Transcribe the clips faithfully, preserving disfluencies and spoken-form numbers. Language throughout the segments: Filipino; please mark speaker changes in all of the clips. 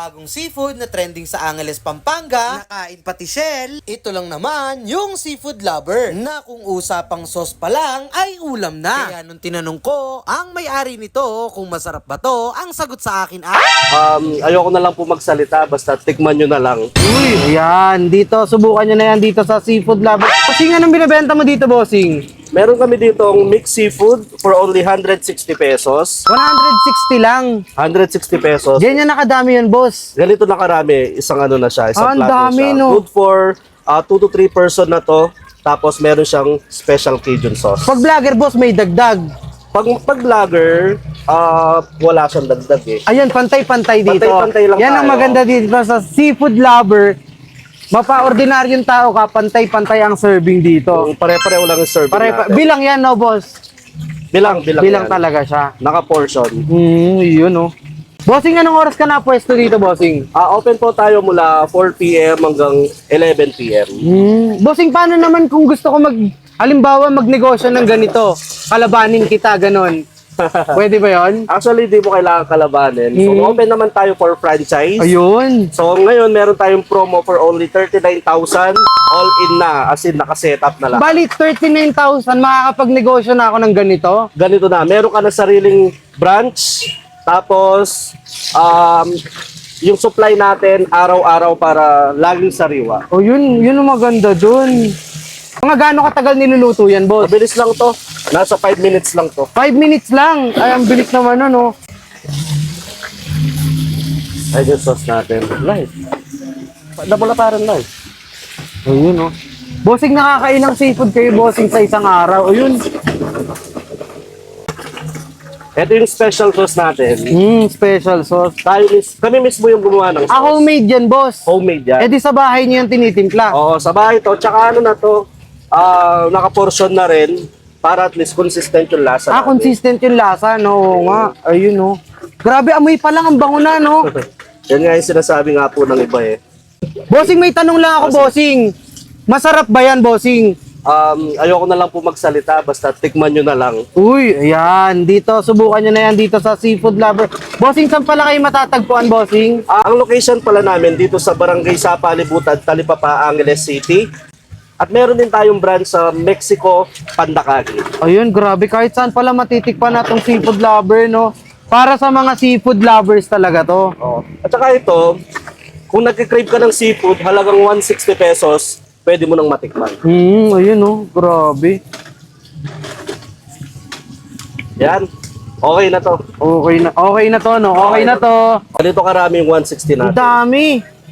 Speaker 1: bagong seafood na trending sa Angeles, Pampanga, nakain pati Shell. Ito lang naman yung seafood lover na kung usapang sauce pa lang ay ulam na. Kaya nung tinanong ko ang may-ari nito kung masarap ba to, ang sagot sa akin ay
Speaker 2: Um, ayoko na lang po magsalita, basta tikman nyo na lang.
Speaker 3: Uy, ayan. Dito, subukan nyo na yan dito sa seafood lover. Kasi nga nang binibenta mo dito, bossing?
Speaker 2: Meron kami dito ang mixed seafood for only one hundred sixty pesos.
Speaker 3: one hundred sixty lang.
Speaker 2: one hundred sixty pesos.
Speaker 3: Ganyan nakadami yun, boss.
Speaker 2: Ganito na karami, isang ano na siya, isang
Speaker 3: Ah, ang
Speaker 2: plato
Speaker 3: dami,
Speaker 2: siya.
Speaker 3: no?
Speaker 2: Good for uh, two to three person na to. Tapos meron siyang special Cajun sauce.
Speaker 3: Pag vlogger, boss, may dagdag.
Speaker 2: Pag, pag vlogger, uh, wala siyang dagdag eh.
Speaker 3: Ayan, pantay-pantay dito.
Speaker 2: Pantay-pantay lang
Speaker 3: Yan ang
Speaker 2: tayo.
Speaker 3: maganda dito sa seafood lover. Mapa-ordinaryong tao ka, pantay-pantay ang serving dito.
Speaker 2: Kung pare-pareho lang yung serving
Speaker 3: Pare,
Speaker 2: natin.
Speaker 3: bilang yan, no, boss?
Speaker 2: Bilang, bilang,
Speaker 3: Bilang
Speaker 2: yan.
Speaker 3: talaga siya.
Speaker 2: Naka-portion.
Speaker 3: Hmm, yun, no. Bossing, anong oras ka na pwesto dito, bossing?
Speaker 2: Uh, open po tayo mula four p m hanggang eleven p m
Speaker 3: Hmm. Bossing, paano naman kung gusto ko mag, halimbawa, magnegosyo ng ganito? Kalabanin kita, ganon. Pwede ba yon?
Speaker 2: Actually, di mo kailangan kalabanin. So,
Speaker 3: Mm.
Speaker 2: open naman tayo for franchise.
Speaker 3: Ayun.
Speaker 2: So, ngayon, meron tayong promo for only thirty-nine thousand. All in na. As in, nakasetup na lang.
Speaker 3: Bali, thirty-nine thousand, makakapagnegosyo na ako ng ganito?
Speaker 2: Ganito na. Meron ka na sariling branch. Tapos, um, yung supply natin, araw-araw para laging sariwa.
Speaker 3: O yun, yun ang maganda dun. Mga gaano katagal niluluto yan, boss?
Speaker 2: Mabilis lang to. Nasa five minutes lang to.
Speaker 3: Five minutes lang. Ay, ang bilis naman ano.
Speaker 2: Ay, yung sauce natin. Light. Double paran lang.
Speaker 3: O yun, oh. Bossing, nakakailang seafood kayo, bossing, sa isang araw. O yun.
Speaker 2: Ito yung special sauce natin.
Speaker 3: Hmm, special sauce.
Speaker 2: Tayo, mis- kami mismo yung gumawa ng sauce.
Speaker 3: Ah, homemade yan, boss.
Speaker 2: Homemade yan.
Speaker 3: Eh di sa bahay niyo yan tinitimpla.
Speaker 2: Oo, sa bahay to. Tsaka ano na to, ah, naka-portion na rin para at least consistent yung lasa
Speaker 3: Ah,
Speaker 2: natin.
Speaker 3: consistent yung lasa, no? Oo nga. Ayun, no. Grabe, amoy pa lang ang bango na, no?
Speaker 2: Yan nga yung sinasabi nga po ng iba eh.
Speaker 3: Bossing, may tanong lang ako, bossing. Masarap ba yan, bossing?
Speaker 2: Um, ayoko na lang po magsalita, basta tikman nyo na lang.
Speaker 3: Uy, ayan. Dito, subukan nyo na yan dito sa seafood lover. Bossing, saan pala kayo matatagpuan, bossing?
Speaker 2: Ah, ang location pala namin dito sa Barangay Sapa, Libutan, Talipapa, Angeles City. At meron din tayong branch sa Mexico, Pandacagi.
Speaker 3: Ayun, grabe. Kahit saan pala matitikpan na itong seafood lover, no? Para sa mga seafood lovers talaga to.
Speaker 2: Oo. At saka ito, kung nagkikrave ka ng seafood, halagang one hundred sixty pesos, pwede mo nang matikman.
Speaker 3: Hmm, ayun, no? Grabe.
Speaker 2: Yan. Okay na to.
Speaker 3: Okay na, okay na to, no? Okay na to.
Speaker 2: Ganito karami yung one hundred sixty
Speaker 3: Ang
Speaker 2: natin.
Speaker 3: dami.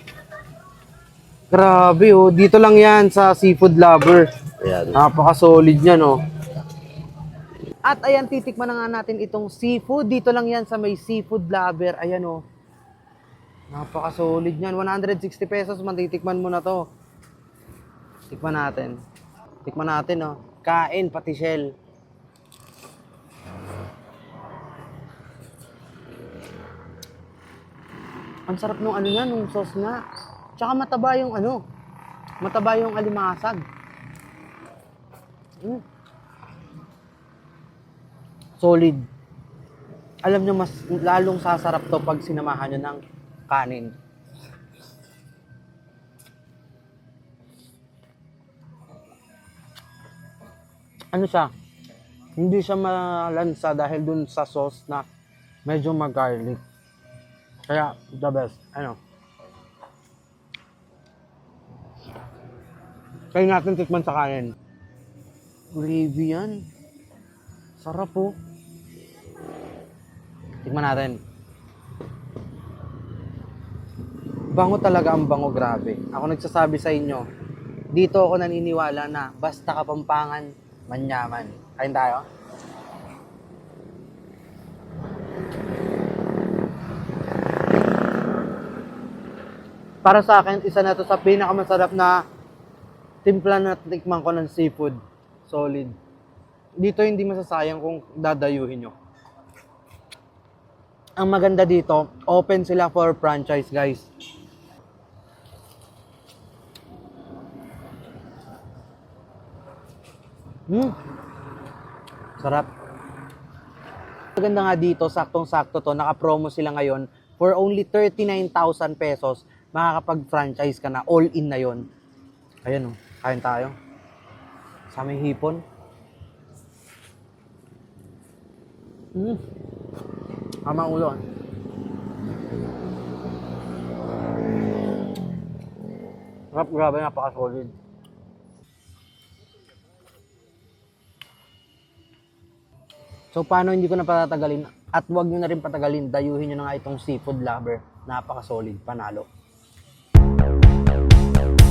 Speaker 3: Grabe, oh. Dito lang yan sa seafood lover.
Speaker 2: Ayan.
Speaker 3: Napaka-solid niya, no? At ayan, titikman na nga natin itong seafood. Dito lang yan sa may seafood lover. Ayan, oh. Napaka-solid niyan. one hundred sixty pesos, matitikman mo na to. Tikman natin. Tikman natin, oh. Kain, pati shell. Ang sarap nung ano niya, nung sauce nga. Tsaka mataba yung ano, mataba yung alimasag. Mm. Solid. Alam nyo, mas lalong sasarap to pag sinamahan nyo ng kanin. Ano siya? Hindi siya malansa dahil dun sa sauce na medyo mag-garlic. Kaya, the best. Ano? Kaya natin tikman sa kanin. Gravy yan. Sarap po. Tikman natin. Bango talaga ang bango, grabe. Ako nagsasabi sa inyo, dito ako naniniwala na basta Kapampangan, manyaman. Kain tayo? Para sa akin, isa na to sa pinakamasarap na timpla na tikman ko ng seafood. Solid. Dito hindi masasayang kung dadayuhin nyo. Ang maganda dito, open sila for franchise, guys. Hmm. Sarap. Maganda nga dito, saktong-sakto to, naka-promo sila ngayon For only thirty-nine thousand pesos, makakapag-franchise ka na. All-in na yon. Ayan o, kain tayo. Sa aming hipon. Mm. Amang ulo. Sarap, grabe, napaka-solid. So, paano hindi ko na patatagalin? At huwag nyo na rin patagalin, dayuhin nyo na nga itong seafood lover. Napaka-solid, panalo.